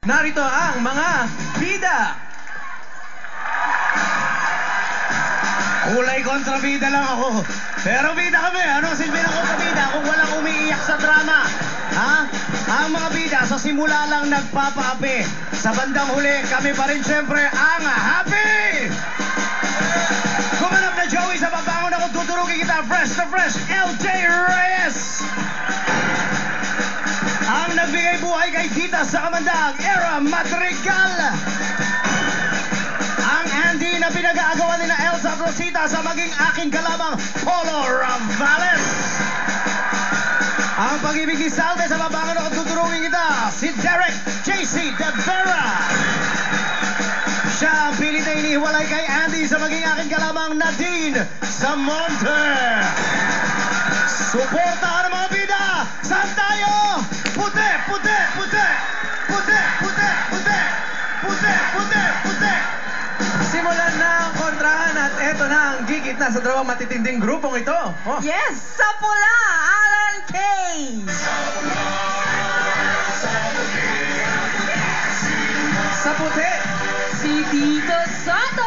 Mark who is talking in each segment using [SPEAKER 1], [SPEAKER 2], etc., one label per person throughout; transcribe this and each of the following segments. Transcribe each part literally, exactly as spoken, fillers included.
[SPEAKER 1] Narito ang mga bida.
[SPEAKER 2] Kulay kontrabida lang ako. Pero bida kami. Ano silbi ng kontrabida kung walang umiiyak sa drama? Ha? Ang mga bida sa simula lang nagpapaapi. Sa bandang huli, kami pa rin siyempre ang happy! Kumanap na Joey sa babangon ako tuturugin kita. Fresh to fresh, L J Reyes! Ang nagbigay buhay kay Tita sa Kamandag, Era Madrigal! Ang Andy na pinag-aagawan ni na Elsa Rosita sa maging aking kalamang Polo Ravales. Ang pag-ibig ni Salve sa babangon ako tuturungin kita, si Derek J C De Vera. Siya ang pilit na inihiwalay kay Andy sa maging aking kalamang Nadine sa Monte. Suportahan ang mga bida! Saan tayo? Puti! Puti! Puti! Puti! Puti! Puti! Puti! Puti! Puti!
[SPEAKER 1] Simulan na ang kontrahan at eto na ang gigit na sa dalawang matitinding grupong ito. Oh.
[SPEAKER 3] Yes, sa pula, Alan K.
[SPEAKER 1] Sa puti,
[SPEAKER 3] Si Tito Soto.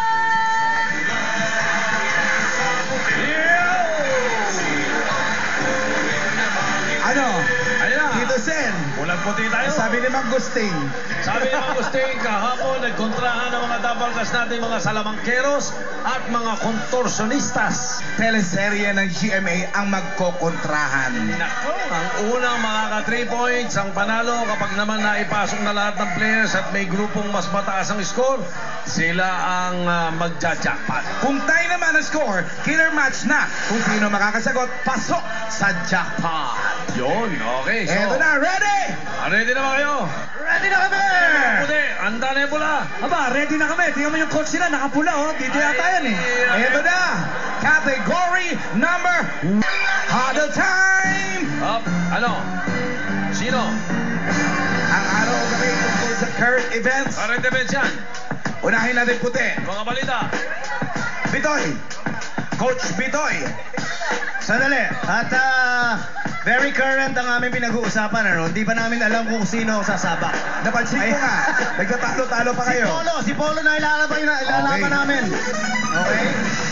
[SPEAKER 2] Ano?
[SPEAKER 4] Ayun na.
[SPEAKER 2] Tito Sen.
[SPEAKER 4] Ulang puti tayo.
[SPEAKER 2] Sabi ni Mang Gusting.
[SPEAKER 4] Sabi ni Mang Gusting, kahapon nagkontrahan ng mga dabalgas natin, mga salamangkeros at mga kontorsionistas.
[SPEAKER 2] Teleserye ng G M A ang magkokontrahan.
[SPEAKER 4] Nako, ang unang makaka three points ang panalo kapag naman naipasok na lahat ng players at may grupong mas mataas ang score, sila ang uh, magja-jackpot.
[SPEAKER 2] Kung tayo naman ang score, killer match na. Kung sino makakasagot, pasok sa jackpot.
[SPEAKER 4] Yun, okay. So,
[SPEAKER 2] Eto na, ready?
[SPEAKER 4] ready na ba kayo?
[SPEAKER 2] Ready na kami!
[SPEAKER 4] Puti, handa na yung pula.
[SPEAKER 2] Aba, ready na kami. Tingnan mo yung coach nila, nakapula oh. Dito yata yan eh. Eto na, category number Huddle time!
[SPEAKER 4] Up, ano? Sino?
[SPEAKER 2] Ang araw kami tungkol sa current events.
[SPEAKER 4] Current events yan.
[SPEAKER 2] Unahin natin puti.
[SPEAKER 4] Mga balita.
[SPEAKER 2] Bitoy. Coach Bitoy. Sandali. At ah, very current ang aming pinag-uusapan. Ano? Hindi pa namin alam kung sino ang sasabak. Napansin ko nga. Nagtatalo-talo pa kayo. Si Polo. Si Polo na ilalaban, ilalaban
[SPEAKER 1] Okay.
[SPEAKER 2] namin. Okay?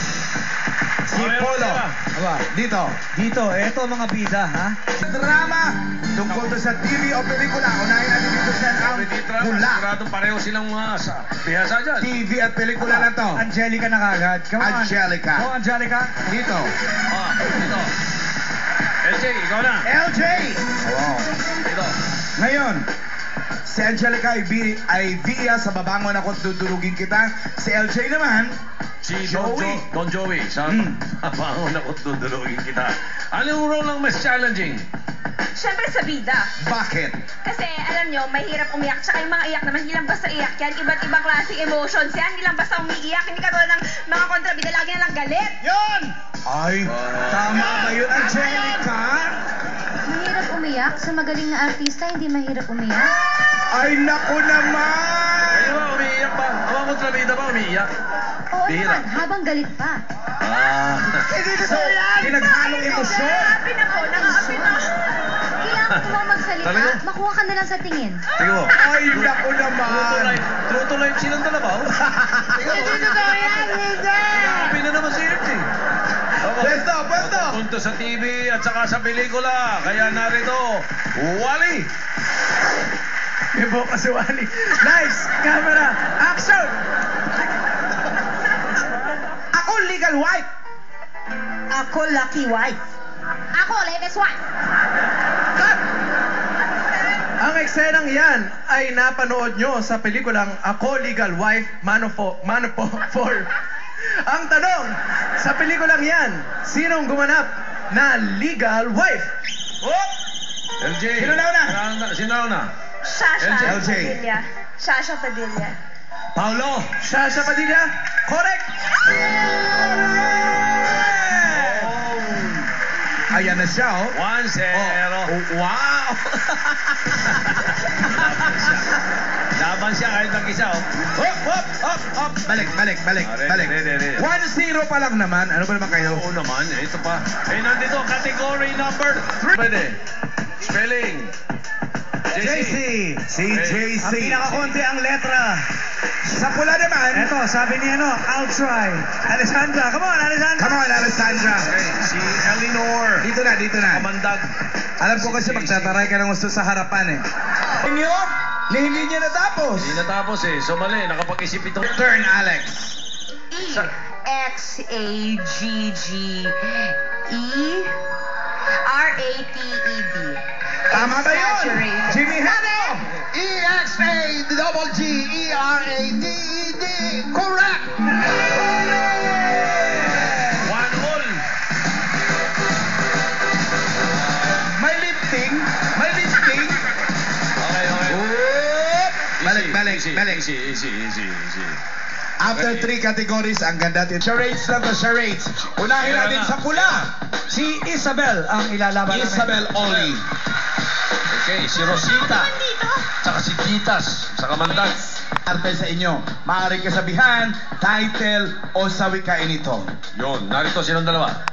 [SPEAKER 2] Si
[SPEAKER 4] Okay,
[SPEAKER 2] Polo.
[SPEAKER 4] okay.
[SPEAKER 2] Aba, dito. Dito. Eto mga bida, ha? Drama. Tungkol to sa T V o pelikula. Unahin natin dito sa ang hula.
[SPEAKER 4] Sigurado pareho silang mga sa bihasa dyan.
[SPEAKER 2] T V at pelikula na to. Angelica na kagad. Come on. Angelica. Oh, Angelica. Dito.
[SPEAKER 4] Ah, dito. L J, ikaw na.
[SPEAKER 2] L J. Wow.
[SPEAKER 4] Dito.
[SPEAKER 2] Ngayon, si Angelica ay, vi- ay via sa babangon ako dudurugin kita. Si L J naman,
[SPEAKER 4] Si Don,
[SPEAKER 2] Joey.
[SPEAKER 4] jo- Don Joey. Sa
[SPEAKER 2] Hmm.
[SPEAKER 4] abangon ako dudulugin kita. Anong role ang mas challenging?
[SPEAKER 3] Siyempre sa bida.
[SPEAKER 2] bakit?
[SPEAKER 3] Kasi alam nyo, mahirap umiyak. Tsaka yung mga iyak naman, hindi lang basta iyak yan. Iba't ibang klaseng emotions yan. Hindi lang basta umiiyak. Hindi katulad ng mga kontrabida, lagi na lang galit.
[SPEAKER 2] Yon! Ay, tama ba yun, Angelica?
[SPEAKER 5] Mahirap umiyak? Sa magaling na artista, hindi mahirap umiyak?
[SPEAKER 2] Ay, naku naman!
[SPEAKER 4] Kayo ba, umiiyak ba? Ang mga kontrabida ba umiiyak?
[SPEAKER 5] Oo
[SPEAKER 4] Bihira.
[SPEAKER 5] naman, habang galit pa.
[SPEAKER 4] Ah.
[SPEAKER 2] Hindi ko yan! Pinaghalong emosyon!
[SPEAKER 3] Nangaapi na po, nangaapi na.
[SPEAKER 5] Kailangan mo lang magsalita,
[SPEAKER 4] Talaga?
[SPEAKER 5] makuha ka na lang sa tingin.
[SPEAKER 4] Tingnan mo.
[SPEAKER 2] Ay, naku
[SPEAKER 4] True to
[SPEAKER 2] naman!
[SPEAKER 4] life. True to life silang dalawa. oh. Tingnan mo.
[SPEAKER 2] Hindi totoo yan! Hindi!
[SPEAKER 4] Happy na naman si F J. Okay.
[SPEAKER 2] Pwesto, pwesto!
[SPEAKER 4] Punto sa T V at saka sa pelikula. Kaya narito, Wally.
[SPEAKER 1] may buka si Wally. Nice! Camera! Action!
[SPEAKER 2] Ako legal wife!
[SPEAKER 3] Ako lucky wife.
[SPEAKER 5] Ako, latest wife.
[SPEAKER 1] Ang eksenang yan ay napanood nyo sa pelikulang Ako Legal Wife, Man of Man of Four. Ang tanong, sa pelikulang yan, sinong gumanap na legal wife?
[SPEAKER 2] Oh!
[SPEAKER 4] L J.
[SPEAKER 2] Sino na una?
[SPEAKER 4] Sino- Sino na una?
[SPEAKER 3] Shasha
[SPEAKER 4] L J.
[SPEAKER 3] Padilla. Shasha Padilla.
[SPEAKER 2] Paulo!
[SPEAKER 1] Shasha Padilla? Correct!
[SPEAKER 2] Ayan na siya, oh.
[SPEAKER 4] One zero.
[SPEAKER 2] Oh, oh, wow!
[SPEAKER 4] Laban siya kahit mag-isa. oh.
[SPEAKER 2] Hop, hop, hop, hop. Balik, balik, balik,
[SPEAKER 4] Ah, ready,
[SPEAKER 2] balik.
[SPEAKER 4] ready, ready.
[SPEAKER 2] one zero pa lang naman. Ano ba naman kayo?
[SPEAKER 4] Oo naman, ito pa. Eh, nandito, category number three. Pwede. Spelling.
[SPEAKER 2] J C. Si J C.
[SPEAKER 6] Ang pinakakonti ang letra.
[SPEAKER 2] Sa pula naman.
[SPEAKER 6] Eto, sabi ni ano, I'll try. Alessandra, come on, Alessandra.
[SPEAKER 2] Come on, Alessandra.
[SPEAKER 4] Okay, si Eleanor.
[SPEAKER 2] Dito na, dito na.
[SPEAKER 4] Kamandag.
[SPEAKER 2] Alam ko kasi magtataray ka ng gusto sa harapan eh. Inyo? Ni hindi niya natapos.
[SPEAKER 4] Hindi natapos eh. So mali, nakapag-isip itong...
[SPEAKER 2] Turn, Alex.
[SPEAKER 7] E X A G G E R A T E D.
[SPEAKER 2] Tama ba yun?
[SPEAKER 7] Exaggerated.
[SPEAKER 2] Jimmy Hano.
[SPEAKER 8] E X A double G E R A T E D. Correct!
[SPEAKER 4] One all.
[SPEAKER 2] May lifting. May lifting.
[SPEAKER 4] Okay, okay.
[SPEAKER 2] Oop. Balik,
[SPEAKER 4] Easy,
[SPEAKER 2] balik,
[SPEAKER 4] easy,
[SPEAKER 2] balik.
[SPEAKER 4] Easy, easy, easy, easy.
[SPEAKER 2] After three categories, ang ganda din. Charades lang to, charades. Unahin
[SPEAKER 4] Kaya
[SPEAKER 2] natin
[SPEAKER 4] na.
[SPEAKER 2] sa pula.
[SPEAKER 6] Si Isabel ang ilalaban namin.
[SPEAKER 2] Isabel Oli.
[SPEAKER 4] Okay, si Rosita. Tsaka si Gitas sa Kamandag.
[SPEAKER 2] Arte sa inyo. Maaaring kasabihan, title, o sa wikain ito.
[SPEAKER 4] Yun, narito silang dalawa.